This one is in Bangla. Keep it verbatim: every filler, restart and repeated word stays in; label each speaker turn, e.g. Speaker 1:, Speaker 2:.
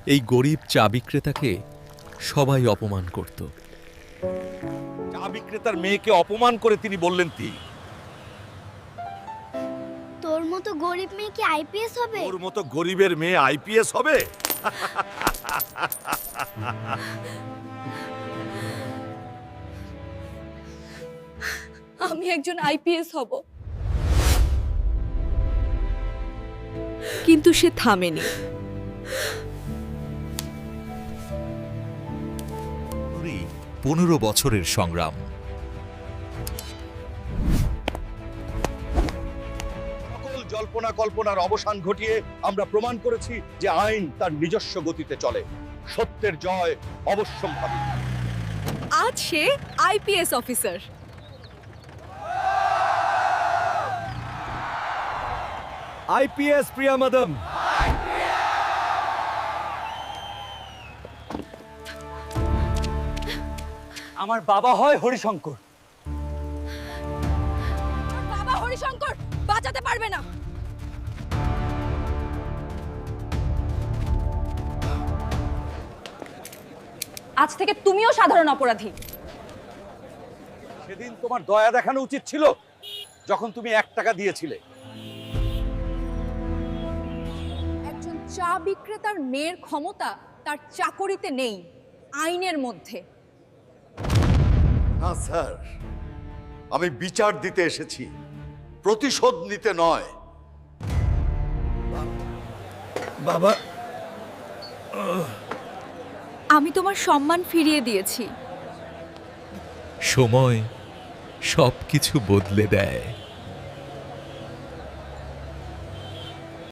Speaker 1: এই গরিব চা বিক্রেতাকে সবাই অপমান করত।
Speaker 2: চা বিক্রেতার মেয়েকে অপমান করে তিনি বললেন, তি
Speaker 3: তোর মতো গরিব মেয়ে কি আইপিএস হবে?
Speaker 2: ওর মতো গরিবের মেয়ে আইপিএস হবে?
Speaker 4: আমি একজন আইপিএস হব।
Speaker 5: কিন্তু সে থামেনি।
Speaker 6: পনেরো বছরের সংগ্রাম।
Speaker 2: সকল জল্পনা কল্পনার অবসান ঘটিয়ে আমরা প্রমাণ করেছি যে আইন তার নিজস্ব গতিতে চলে। সত্যের জয় অবশ্যম্ভাবী।
Speaker 5: আজ সে IPS officer.
Speaker 2: IPS Priya madam.
Speaker 7: আমার বাবা হয় হরিশঙ্কর।
Speaker 4: বাবা হরিশঙ্কর বাঁচাতে পারবে না। আজ থেকে তুমিও সাধারণ অপরাধী।
Speaker 2: সেদিন তোমার দয়া দেখানো উচিত ছিল যখন তুমি এক টাকা দিয়েছিলে।
Speaker 4: একজন চা বিক্রেতার মেয়ের ক্ষমতা তার চাকরিতে নেই, আইনের মধ্যে।
Speaker 2: না স্যার, আমি বিচার দিতে এসেছি, প্রতিশোধ নিতে নয়। বাবা,
Speaker 5: আমি তোমার সম্মান ফিরিয়ে দিয়েছি।
Speaker 1: সময় সবকিছু বদলে দেয়।